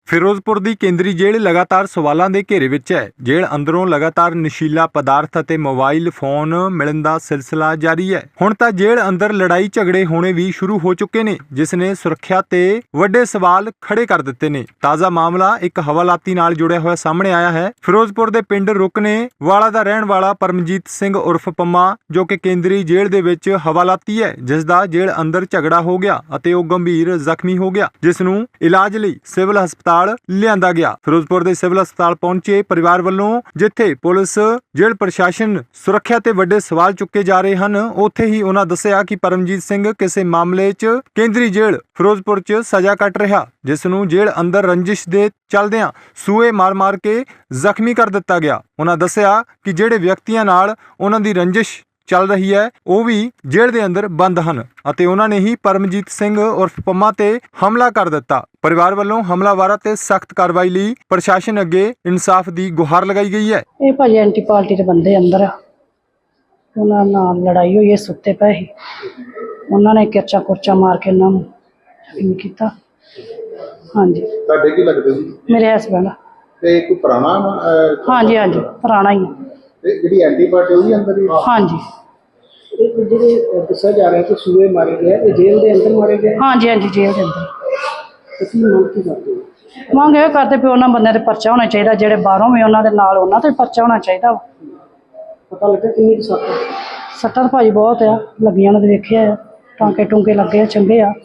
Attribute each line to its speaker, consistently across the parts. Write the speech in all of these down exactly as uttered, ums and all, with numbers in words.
Speaker 1: ਫਿਰੋਜ਼ਪੁਰ ਦੀ ਕੇਂਦਰੀ ਜੇਲ੍ਹ ਲਗਾਤਾਰ ਸਵਾਲਾਂ ਦੇ ਘੇਰੇ ਵਿੱਚ ਹੈ। ਜੇਲ੍ਹ ਅੰਦਰੋਂ ਲਗਾਤਾਰ ਨਸ਼ੀਲਾ ਪਦਾਰਥ ਅਤੇ ਮੋਬਾਈਲ ਫੋਨ ਮਿਲਣ ਦਾ ਸਿਲਸਿਲਾ ਜਾਰੀ ਹੈ। ਹੁਣ ਤਾਂ ਜੇਲ੍ਹ ਅੰਦਰ ਲੜਾਈ ਝਗੜੇ ਹੋਣੇ ਵੀ ਸ਼ੁਰੂ ਹੋ ਚੁੱਕੇ ਨੇ, ਜਿਸ ਨੇ ਸੁਰੱਖਿਆ ਤੇ ਵੱਡੇ ਸਵਾਲ ਖੜੇ ਕਰ ਦਿੱਤੇ ਨੇ। ਤਾਜ਼ਾ ਮਾਮਲਾ ਇੱਕ ਹਵਾਲਾਤੀ ਨਾਲ ਜੁੜਿਆ ਹੋਇਆ ਸਾਹਮਣੇ ਆਇਆ ਹੈ। ਫਿਰੋਜ਼ਪੁਰ ਦੇ ਪਿੰਡ ਰੁਕਨੇ ਵਾਲਾ ਦਾ ਰਹਿਣ ਵਾਲਾ ਪਰਮਜੀਤ ਸਿੰਘ ਉਰਫ ਪੰਮਾ, ਜੋ ਕਿ ਕੇਂਦਰੀ ਜੇਲ੍ਹ ਦੇ ਵਿੱਚ ਹਵਾਲਾਤੀ ਹੈ, ਜਿਸ ਦਾ ਜੇਲ੍ਹ ਅੰਦਰ ਝਗੜਾ ਹੋ ਗਿਆ ਅਤੇ ਉਹ ਗੰਭੀਰ ਜ਼ਖਮੀ ਹੋ ਗਿਆ, ਜਿਸ ਨੂੰ ਇਲਾਜ ਲਈ ਸਿਵਲ ਹਸਪਤਾਲ ਲਿਆਂਦਾ ਗਿਆ। ਫਿਰੋਜ਼ਪੁਰ ਦੇ ਸਿਵਲ ਹਸਪਤਾਲ ਪਹੁੰਚੇ ਪਰਿਵਾਰ ਵੱਲੋਂ, ਜਿੱਥੇ ਪੁਲਿਸ, ਜੇਲ੍ਹ ਪ੍ਰਸ਼ਾਸਨ, ਸੁਰੱਖਿਆ ਤੇ ਵੱਡੇ ਸਵਾਲ ਚੁੱਕੇ ਜਾ ਰਹੇ ਹਨ। ਉੱਥੇ ਹੀ ਉਹਨਾਂ ਦੱਸਿਆ ਕਿ ਪਰਮਜੀਤ ਸਿੰਘ ਕਿਸੇ ਮਾਮਲੇ 'ਚ ਕੇਂਦਰੀ ਜੇਲ੍ਹ ਫਿਰੋਜ਼ਪੁਰ 'ਚ ਸਜ਼ਾ ਕੱਟ ਰਿਹਾ, ਜਿਸ ਨੂੰ ਜੇਲ੍ਹ ਅੰਦਰ ਰੰਜਿਸ਼ ਦੇ ਚੱਲਦਿਆਂ ਸੂਏ ਮਾਰ-ਮਾਰ ਕੇ ਜ਼ਖਮੀ ਕਰ ਦਿੱਤਾ ਗਿਆ। ਉਹਨਾਂ ਦੱਸਿਆ ਕਿ ਜਿਹੜੇ ਵਿਅਕਤੀਆਂ ਨਾਲ ਉਹਨਾਂ ਦੀ ਰੰਜਿਸ਼ ਚੱਲ ਰਹੀ ਹੈ ਉਹ ਵੀ ਜੇਲ੍ਹ ਦੇ ਅੰਦਰ ਬੰਦ ਹਨ ਅਤੇ ਉਹਨਾਂ ਨੇ ਹੀ ਪਰਮਜੀਤ ਸਿੰਘ ਉਰਫ ਪੰਮਾ ਤੇ ਹਮਲਾ ਕਰ ਦਿੱਤਾ। ਪਰਿਵਾਰ ਵੱਲੋਂ ਹਮਲਾਵਰਾਂ ਤੇ ਸਖਤ ਕਾਰਵਾਈ ਲਈ ਪ੍ਰਸ਼ਾਸਨ ਅੱਗੇ ਇਨਸਾਫ ਦੀ ਗੁਹਾਰ ਲਗਾਈ ਗਈ ਹੈ।
Speaker 2: ਇਹ ਭਾਜੀ ਐਂਟੀ ਪਾਰਟੀ ਦੇ ਬੰਦੇ ਅੰਦਰ ਆ, ਉਹਨਾਂ ਨਾਲ ਲੜਾਈ ਹੋਈ ਹੈ, ਸੁੱਤੇ ਪਏ ਸੀ, ਉਹਨਾਂ ਨੇ ਕਿਰਚਾ ਕੁਰਚਾ ਮਾਰ ਕੇ ਉਹਨਾਂ ਨੂੰ ਜ਼ਖਮੀ ਕੀਤਾ। ਹਾਂਜੀ,
Speaker 3: ਤੁਹਾਡੇ ਕੀ ਲੱਗਦੇ ਸੀ?
Speaker 2: ਮੇਰੇ ਹਸਬੈਂਡ।
Speaker 3: ਤੇ ਕੋਈ ਪੁਰਾਣਾ ਅਹ,
Speaker 2: ਹਾਂਜੀ ਹਾਂਜੀ ਪੁਰਾਣਾ ਹੀ ਆ।
Speaker 3: ਤੇ ਜਿਹੜੀ ਐਂਟੀ ਪਾਰਟੀ ਉਹ ਵੀ ਅੰਦਰ ਹੀ?
Speaker 2: ਹਾਂਜੀ
Speaker 4: ਇਹ ਜਿਹੜੇ ਦੱਸਿਆ ਜਾ ਰਿਹਾ ਕਿ ਸੂਏ ਮਾਰੇ ਗਏ, ਇਹ ਜੇਲ੍ਹ ਦੇ ਅੰਦਰ ਮਾਰੇ ਗਏ?
Speaker 2: ਹਾਂਜੀ ਹਾਂਜੀ ਜੇਲ੍ਹ ਦੇ ਅੰਦਰ।
Speaker 4: ਤੁਸੀਂ ਮੰਗ ਕੀ ਕਰਦੇ ਹੋ?
Speaker 2: ਮੰਗ ਇਹ ਕਰਦੇ ਵੀ ਉਹਨਾਂ ਬੰਦਿਆਂ ਤੇ ਪਰਚਾ ਹੋਣਾ ਚਾਹੀਦਾ, ਜਿਹੜੇ ਬਾਹਰੋਂ ਵੀ ਉਹਨਾਂ ਦੇ ਨਾਲ ਉਹਨਾਂ ਤੇ ਪਰਚਾ ਹੋਣਾ ਚਾਹੀਦਾ ਵਾ।
Speaker 4: ਪਤਾ ਲੱਗਾ ਕਿੰਨੀ ਕੁ ਸੱਟ?
Speaker 2: ਸੱਟਾਂ ਤਾਂ ਭਾਜੀ ਬਹੁਤ ਆ ਲੱਗੀਆਂ, ਉਹਨਾਂ ਦੇ ਵੇਖਿਆ ਆ, ਟਾਂਕੇ ਟੂੰਕੇ ਲੱਗੇ ਆ, ਚੰਗੇ ਆ।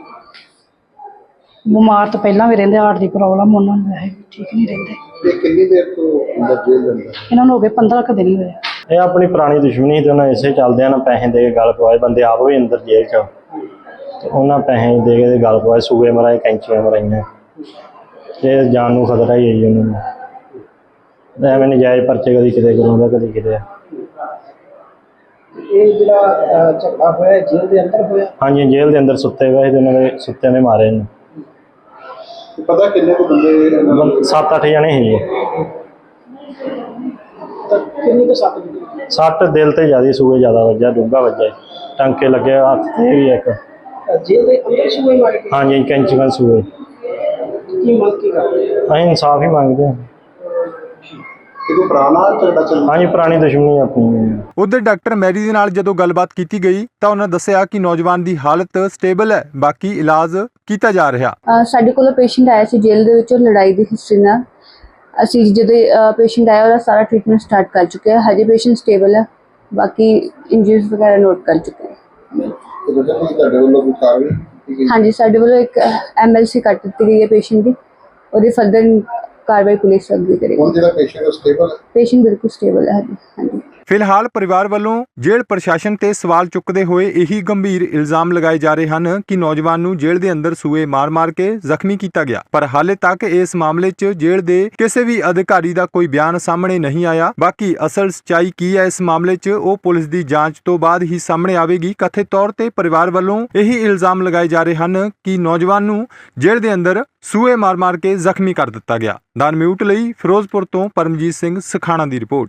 Speaker 2: ਬਿਮਾਰ ਤਾਂ ਪਹਿਲਾਂ ਵੀ ਰਹਿੰਦੇ, ਹਾਰਟ ਦੀ ਪ੍ਰੋਬਲਮ ਉਹਨਾਂ ਨੂੰ ਵੈਸੇ ਠੀਕ ਨਹੀਂ ਰਹਿੰਦੇ।
Speaker 3: ਤੇ ਕਿੰਨੀ ਦੇਰ ਤੋਂ ਅੰਦਰ ਜੇਲ੍ਹ ਦੇ ਅੰਦਰ?
Speaker 2: ਇਹਨਾਂ ਨੂੰ ਹੋ ਗਏ ਪੰਦਰਾਂ ਕੁ ਦਿਨ ਹੀ ਹੋਏ।
Speaker 5: ਇਹ ਆਪਣੀ ਪੁਰਾਣੀ ਦੁਸ਼ਮਣੀ ਤੇ ਉਹਨਾਂ ਇਸੇ ਚੱਲਦਿਆਂ ਨਾ ਪੈਸੇ ਦੇ ਕੇ ਗੱਲ ਪਵਾਏ, ਬੰਦੇ ਆਪ ਵੀ ਅੰਦਰ ਜੇਲ੍ਹ 'ਚ, ਤੇ ਉਹਨਾਂ ਪੈਸੇ ਦੇ ਕੇ ਗੱਲ ਪਵਾਏ, ਸੂਏ ਮਰਾਏ, ਕੈਂਚੀਆਂ ਮਰਾਈਆਂ। ਇਹ ਜਾਨ ਨੂੰ ਖਤਰਾ ਹੀ ਹੈ ਜੀ ਉਹਨਾਂ ਨੂੰ। ਐਵੇਂ ਨਜਾਇਜ਼ ਪਰਚੇ ਕਦੀ ਕਿਤੇ ਕਰਾਉਂਦਾ, ਕਦੀ ਕਿਤੇ।
Speaker 4: ਇਹ ਜਿਹੜਾ ਝਗੜਾ ਹੋਇਆ ਜੇਲ੍ਹ ਦੇ ਅੰਦਰ ਹੋਇਆ?
Speaker 5: ਹਾਂਜੀ, ਜੇਲ੍ਹ ਦੇ ਅੰਦਰ ਸੁੱਤੇ ਪਏ ਤੇ ਉਹਨਾਂ ਦੇ ਸੁੱਤਿਆਂ ਨੇ ਮਾਰੇ ਨੇ।
Speaker 3: ਪਤਾ ਕਿੰਨੇ ਕੁ ਬੰਦੇ?
Speaker 5: ਸੱਤ ਅੱਠ ਜਣੇ ਸੀ ਜੀ।
Speaker 4: ਤਾਂ ਕਿੰਨੀ ਕੁ ਸੱਟ ਲੱਗੀ?
Speaker 5: ਸੱਟ ਦਿਲ ਤੇ ਜ਼ਿਆਦਾ, ਸੂਏ ਜ਼ਿਆਦਾ ਵੱਜਿਆ, ਡੂੰਘਾ ਵੱਜਿਆ, ਟਾਂਕੇ ਲੱਗੇ ਹੱਥ ਤੇ ਵੀ ਇੱਕ।
Speaker 4: ਜੇਲ੍ਹ ਦੇ ਅੰਦਰ ਸੂਏ ਮਾਰੇ ਗਏ?
Speaker 5: ਹਾਂਜੀ, ਕੈਂਚੀਆਂ ਸੂਏ।
Speaker 4: ਕੀ ਮੰਗ ਕੀ ਕਰਦੇ ਹੋ?
Speaker 5: ਅਸੀਂ ਇਨਸਾਫ ਹੀ ਮੰਗਦੇ ਹਾਂ।
Speaker 3: ਤੇ ਕੋਈ ਪੁਰਾਣਾ ਝਗੜਾ ਚੱਲ?
Speaker 5: ਹਾਂਜੀ, ਪੁਰਾਣੀ ਦੁਸ਼ਮਣੀ ਆਪਣੀ।
Speaker 1: ਉਧਰ ਡਾਕਟਰ ਮੈਰੀ ਦੇ ਨਾਲ ਜਦੋਂ ਗੱਲਬਾਤ ਕੀਤੀ ਗਈ ਤਾਂ ਉਹਨਾਂ ਦੱਸਿਆ ਕਿ ਨੌਜਵਾਨ ਦੀ ਹਾਲਤ ਸਟੇਬਲ ਹੈ, ਬਾਕੀ ਇਲਾਜ ਕੀਤਾ ਜਾ ਰਿਹਾ।
Speaker 6: ਸਾਡੇ ਕੋਲ ਪੇਸ਼ੈਂਟ ਆਇਆ ਸੀ ਜੇਲ੍ਹ ਦੇ ਵਿੱਚੋਂ ਲੜਾਈ ਦੀ ਹਿਸਟਰੀ ਨਾਲ। ਅਸੀਂ ਜਦੋਂ ਪੇਸ਼ੈਂਟ ਆਇਆ ਉਹਦਾ ਸਾਰਾ ਟ੍ਰੀਟਮੈਂਟ ਸਟਾਰਟ ਕਰ ਚੁੱਕੇ ਹਾਂ। ਹਜੇ ਪੇਸ਼ੈਂਟ ਸਟੇਬਲ ਹੈ, ਬਾਕੀ ਇੰਜਰੀਜ਼ ਵਗੈਰਾ ਨੋਟ ਕਰ ਚੁੱਕੇ ਹਾਂ।
Speaker 3: ਤੇ ਬੇਟਾ ਤੁਸੀਂ ਤੁਹਾਡੇ ਵੱਲੋਂ ਕੋਈ ਕਾਰਵਾਈ ਕੀਤੀ ਗਈ?
Speaker 6: ਹਾਂਜੀ, ਸਾਡੇ ਵੱਲੋਂ ਇੱਕ ਐਮ ਐਲ ਸੀ ਕੱਟ ਦਿੱਤੀ ਗਈ ਹੈ ਪੇਸ਼ੈਂਟ ਦੀ, ਉਹਦੀ ਫਰਦਰ ਕਾਰਵਾਈ ਪੁਲਿਸ ਅੱਗੇ ਕਰੇਗੀ।
Speaker 3: ਹੁਣ ਜਿਹੜਾ ਪੇਸ਼ੈਂਟ ਸਟੇਬਲ ਹੈ?
Speaker 6: ਪੇਸ਼ੈਂਟ ਬਿਲਕੁਲ ਸਟੇਬਲ ਹੈ। ਹਾਂਜੀ।
Speaker 1: ਫਿਲਹਾਲ ਪਰਿਵਾਰ ਵੱਲੋਂ ਜੇਲ੍ਹ ਪ੍ਰਸ਼ਾਸਨ ਤੇ ਸਵਾਲ ਚੁੱਕਦੇ ਹੋਏ ਇਹੀ ਗੰਭੀਰ ਇਲਜ਼ਾਮ ਲਗਾਏ ਜਾ ਰਹੇ ਹਨ ਕਿ ਨੌਜਵਾਨ ਨੂੰ ਜੇਲ੍ਹ ਦੇ ਅੰਦਰ ਸੂਏ ਮਾਰ-ਮਾਰ ਕੇ ਜ਼ਖਮੀ ਕੀਤਾ ਗਿਆ, ਪਰ ਹਾਲੇ ਤੱਕ ਇਸ ਮਾਮਲੇ 'ਚ ਜੇਲ੍ਹ ਦੇ ਕਿਸੇ ਵੀ ਅਧਿਕਾਰੀ ਦਾ ਕੋਈ ਬਿਆਨ ਸਾਹਮਣੇ ਨਹੀਂ ਆਇਆ। ਬਾਕੀ ਅਸਲ ਸੱਚਾਈ ਕੀ ਹੈ ਇਸ ਮਾਮਲੇ 'ਚ, ਉਹ ਪੁਲਿਸ ਦੀ ਜਾਂਚ ਤੋਂ ਬਾਅਦ ਹੀ ਸਾਹਮਣੇ ਆਵੇਗੀ। ਕਥਿਤ ਤੌਰ ਤੇ ਪਰਿਵਾਰ ਵੱਲੋਂ ਇਹੀ ਇਲਜ਼ਾਮ ਲਗਾਏ ਜਾ ਰਹੇ ਹਨ ਕਿ ਨੌਜਵਾਨ ਨੂੰ ਜੇਲ੍ਹ ਦੇ ਅੰਦਰ ਸੂਏ ਮਾਰ-ਮਾਰ ਕੇ ਜ਼ਖਮੀ ਕਰ ਦਿੱਤਾ ਗਿਆ। ਦਨ ਮਿਊਟ ਲਈ ਫਿਰੋਜ਼ਪੁਰ ਤੋਂ ਪਰਮਜੀਤ ਸਿੰਘ ਸਖਾਣਾ ਦੀ ਰਿਪੋਰਟ।